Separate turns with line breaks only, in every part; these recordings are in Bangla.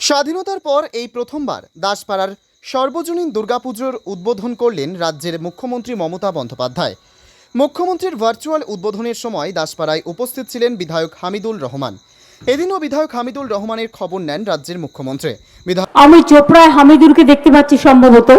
স্বাধীনতার পর এই প্রথমবার দাসপাড়ার সর্বজনীন দুর্গাপুজোর উদ্বোধন করলেন রাজ্যের মুখ্যমন্ত্রী মমতা বন্দ্যোপাধ্যায়। মুখ্যমন্ত্রীর ভার্চুয়াল উদ্বোধনের সময় দাসপাড়ায় উপস্থিত ছিলেন বিধায়ক হামিদুল রহমান। এদিনও বিধায়ক হামিদুল রহমানের খবর নেন রাজ্যের মুখ্যমন্ত্রী।
আমি চোপড়ায় হামিদুলকে দেখতে পাচ্ছি সম্ভবত।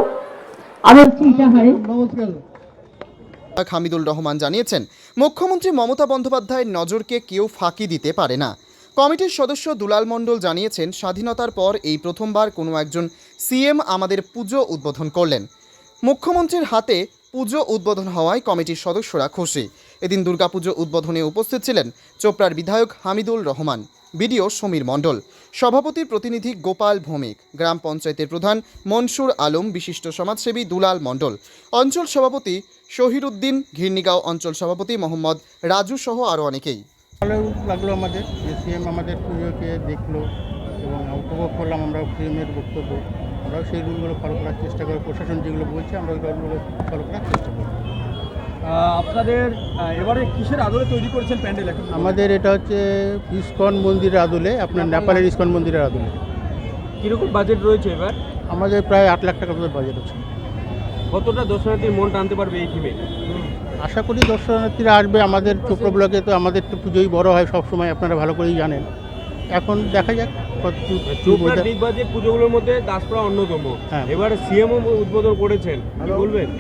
হামিদুল রহমান জানিয়েছেন, মুখ্যমন্ত্রী মমতা বন্দ্যোপাধ্যায়ের নজরকে কেউ ফাঁকি দিতে পারে না। কমিটির সদস্য দুলাল মণ্ডল জানিয়েছেন, স্বাধীনতার পর এই প্রথমবার কোনো একজন সিএম আমাদের পুজো উদ্বোধন করলেন। মুখ্যমন্ত্রীর হাতে পুজো উদ্বোধন হওয়ায় কমিটির সদস্যরা খুশি। এদিন দুর্গাপুজো উদ্বোধনে উপস্থিত ছিলেন চোপড়ার বিধায়ক হামিদুল রহমান, বিডিও সমীর মণ্ডল, সভাপতির প্রতিনিধি গোপাল ভৌমিক, গ্রাম পঞ্চায়েতের প্রধান মনসুর আলম, বিশিষ্ট সমাজসেবী দুলাল মণ্ডল, অঞ্চল সভাপতি শহীরুদ্দিন, ঘিরনিগাঁও অঞ্চল সভাপতি মোহাম্মদ রাজু সহ আরও অনেকেই।
ভালো লাগলো আমাদের যে সিএম আমাদের পুজোকে দেখলো এবং উপভোগ করলাম। আমরাও সিএমের বক্তব্য, আমরাও সেই রুলগুলো ফলো করার চেষ্টা করি। প্রশাসন যেগুলো বলছে আমরা ওই রুলগুলো ফলো করার চেষ্টা করি।
আপনাদের এবারে কিসের আদলে তৈরি করেছেন প্যান্ডেল?
আমাদের এটা হচ্ছে ইসকন মন্দিরের আদলে, আপনার নেপালের ইসকন মন্দিরের আদলে।
কীরকম বাজেট রয়েছে এবার?
আমাদের প্রায় 8 লাখ টাকা মতো বাজেট আছে।
কতটা দর্শনার্থীর মন টানতে পারবে এই থিমে?
আশা করি দর্শনার্থীরা আসবে। আমাদের চোপড়া ব্লকে তো আমাদের তো পুজোই বড় হয় সবসময়, আপনারা ভালো করেই জানেন। এখন দেখা যাক
চোপড়ার বিগ বাজেট পুজোগুলোর মধ্যে দাসপাড়া অন্যতম।
হ্যাঁ,
এবার সিএমও উদ্বোধন করেছেন, কি বলবেন?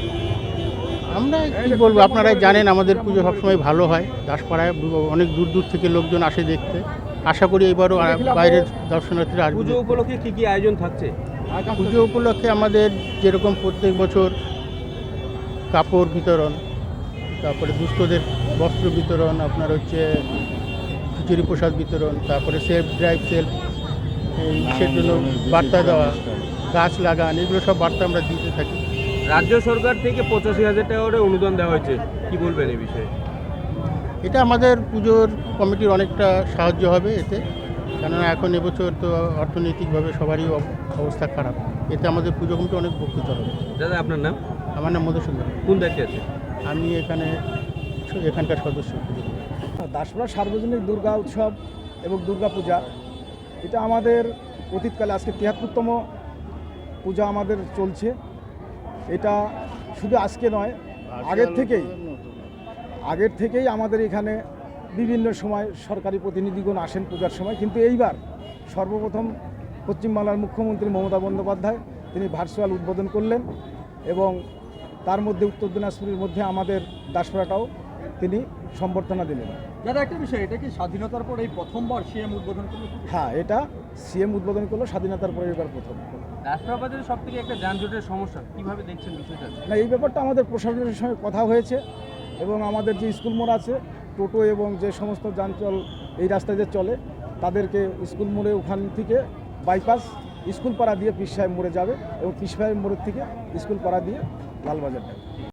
আমরা কী বলবো, আপনারা জানেন আমাদের পুজো সবসময় ভালো হয়। দাসপাড়ায় অনেক দূর দূর থেকে লোকজন আসে দেখতে। আশা করি এবারও বাইরের দর্শনার্থীরা আসবে।
পুজো উপলক্ষে কী কী আয়োজন থাকছে?
পুজো উপলক্ষে আমাদের যেরকম প্রত্যেক বছর কাপড় বিতরণ, তারপরে দুস্থদের বস্ত্র বিতরণ, আপনার হচ্ছে খিচুড়ি প্রসাদ বিতরণ, তারপরে সেলফ ড্রাইভ সেলফ ইসের জন্য বার্তা দেওয়া, গাছ লাগান, এগুলো সব বার্তা আমরা দিতে থাকি।
রাজ্য সরকার থেকে 85,000 টাকা করে অনুদান দেওয়া হয়েছে, কি বলবেন এই বিষয়ে?
এটা আমাদের পুজোর কমিটির অনেকটা সাহায্য হবে এতে, কেননা এখন এবছর তো অর্থনৈতিকভাবে সবারই অবস্থা খারাপ। এতে আমাদের পুজো কমিটি অনেক উপকৃত হবে।
দাদা, আপনার নাম?
আমার নাম মধুসূদন।
কোন দায়িত্বে আছে?
আমি এখানকার সদস্য।
দাসপাড়া সার্বজনীন দুর্গা উৎসব এবং দুর্গা পূজা, এটা আমাদের অতীতকালে আজকে 73তম পূজা আমাদের চলছে। এটা শুধু আজকে নয়, আগের থেকেই আমাদের এখানে বিভিন্ন সময় সরকারি প্রতিনিধিগণ আসেন পূজার সময়। কিন্তু এইবার সর্বপ্রথম পশ্চিমবাংলার মুখ্যমন্ত্রী মমতা বন্দ্যোপাধ্যায় তিনি ভার্চুয়াল উদ্বোধন করলেন এবং তার মধ্যে উত্তর দিনাজপুরের মধ্যে আমাদের দাসপাড়াটাও তিনি সম্বর্ধনা দিলেন।
দাদা, একটা বিষয়, এটা কি স্বাধীনতার পর এই প্রথমবার সিএম উদ্বোধন করলো?
হ্যাঁ, এটা সিএম উদ্বোধন করলো, স্বাধীনতার পরে এবার প্রথম।
দাসপাড়া বাজারে সব থেকে একটা যানজটের সমস্যা, কীভাবে দেখছেন বিষয়টা?
না, এই ব্যাপারটা আমাদের প্রশাসনের সঙ্গে কথা হয়েছে এবং আমাদের যে স্কুল মোড় আছে, টোটো এবং যে সমস্ত যানচল এই রাস্তায় যে চলে, তাদেরকে স্কুল মোড়ে ওখান থেকে বাইপাস স্কুল পাড়া দিয়ে পীর সাহেব মোড়ে যাবে এবং পীর সাহেব মোড়ের থেকে স্কুল পাড়া দিয়ে লালবাজার যাবে।